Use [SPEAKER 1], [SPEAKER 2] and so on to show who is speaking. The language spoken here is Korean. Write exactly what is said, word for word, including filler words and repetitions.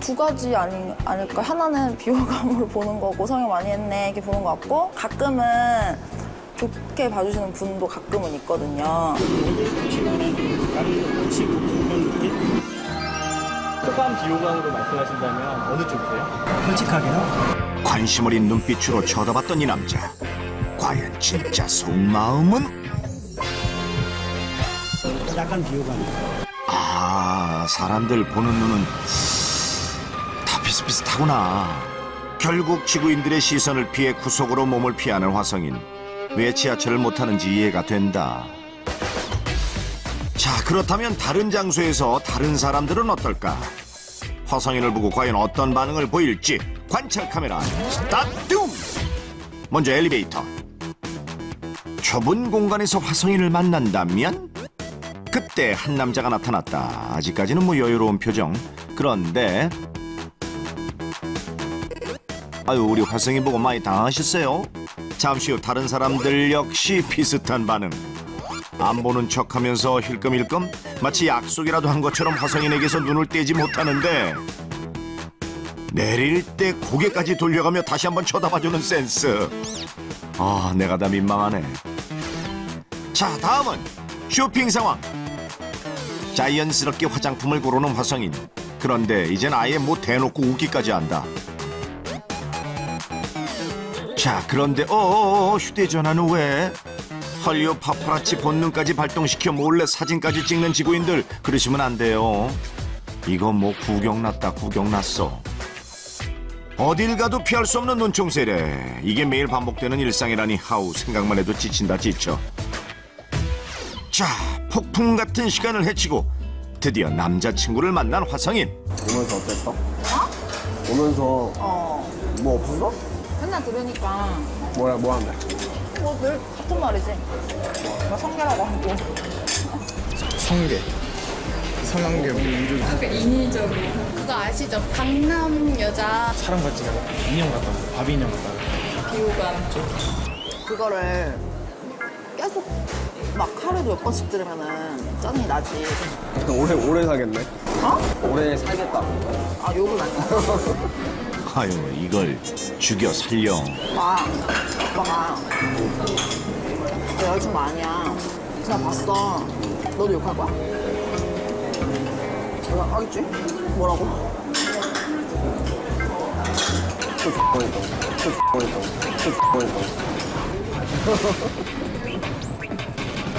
[SPEAKER 1] 두 가지 아니, 아닐까. 하나는 비호감으로 보는 거고 성형 많이 했네 이렇게 보는 거 같고 가끔은 좋게 봐주시는 분도 가끔은 있거든요.
[SPEAKER 2] 호감, 비호감으로 말씀하신다면 어느 쪽이세요?
[SPEAKER 3] 솔직하게요?
[SPEAKER 4] 관심 어린 눈빛으로 쳐다봤던 이 남자. 과연 진짜 속마음은?
[SPEAKER 3] 약간 비호감이에요.
[SPEAKER 4] 아, 사람들 보는 눈은 다 비슷비슷하구나. 결국 지구인들의 시선을 피해 구석으로 몸을 피하는 화성인. 왜 지하철을 못 타는지 이해가 된다. 자, 그렇다면 다른 장소에서 다른 사람들은 어떨까? 화성인을 보고 과연 어떤 반응을 보일지 관찰 카메라 스타트! 먼저 엘리베이터. 좁은 공간에서 화성인을 만난다면? 그때 한 남자가 나타났다. 아직까지는 뭐 여유로운 표정. 그런데 아유, 우리 화성인 보고 많이 당하셨어요? 잠시 후 다른 사람들 역시 비슷한 반응. 안 보는 척하면서 힐끔힐끔 마치 약속이라도 한 것처럼 화성인에게서 눈을 떼지 못하는데 내릴 때 고개까지 돌려가며 다시 한번 쳐다봐주는 센스. 아, 내가 다 민망하네. 자, 다음은 쇼핑 상황. 자연스럽게 화장품을 고르는 화성인. 그런데 이젠 아예 뭐 대놓고 웃기까지 한다. 자, 그런데 어어어 휴대전화는 왜? 헐리우드 파파라치 본능까지 발동시켜 몰래 사진까지 찍는 지구인들, 그러시면 안 돼요. 이거 뭐 구경났다 구경났어. 어딜 가도 피할 수 없는 눈총세례. 이게 매일 반복되는 일상이라니 하우 생각만 해도 지친다 지쳐. 자, 폭풍 같은 시간을 헤치고 드디어 남자친구를 만난 화성인.
[SPEAKER 5] 오면서 어땠어? 어? 오면서
[SPEAKER 1] 어,
[SPEAKER 5] 뭐 없었어?
[SPEAKER 1] 맨날 들으니까
[SPEAKER 5] 뭐야, 뭐 하는데?
[SPEAKER 1] 뭐 늘 같은 말이지. 뭐 성게라고 하고.
[SPEAKER 5] 성게. 성한게 민주.
[SPEAKER 6] 그거 아시죠? 강남 여자
[SPEAKER 3] 사람 같지가 않아. 인형 같다고. 바비 인형 같다고.
[SPEAKER 1] 그거를 계속 막 하루에도 몇 번씩 들으면은 짜증이 나지.
[SPEAKER 5] 오래, 오래 사겠네.
[SPEAKER 1] 어?
[SPEAKER 5] 오래 살겠다.
[SPEAKER 1] 아, 욕은 아니야.
[SPEAKER 4] 아유, 이걸 죽여 살려.
[SPEAKER 1] 오빠, 오빠가 내 여자친구 아니야. 그냥 봤어. 너도 욕할 거야? 내가 하겠지? 뭐라고?
[SPEAKER 5] 또 X번했다. 또 X번했다. 또 X번했다.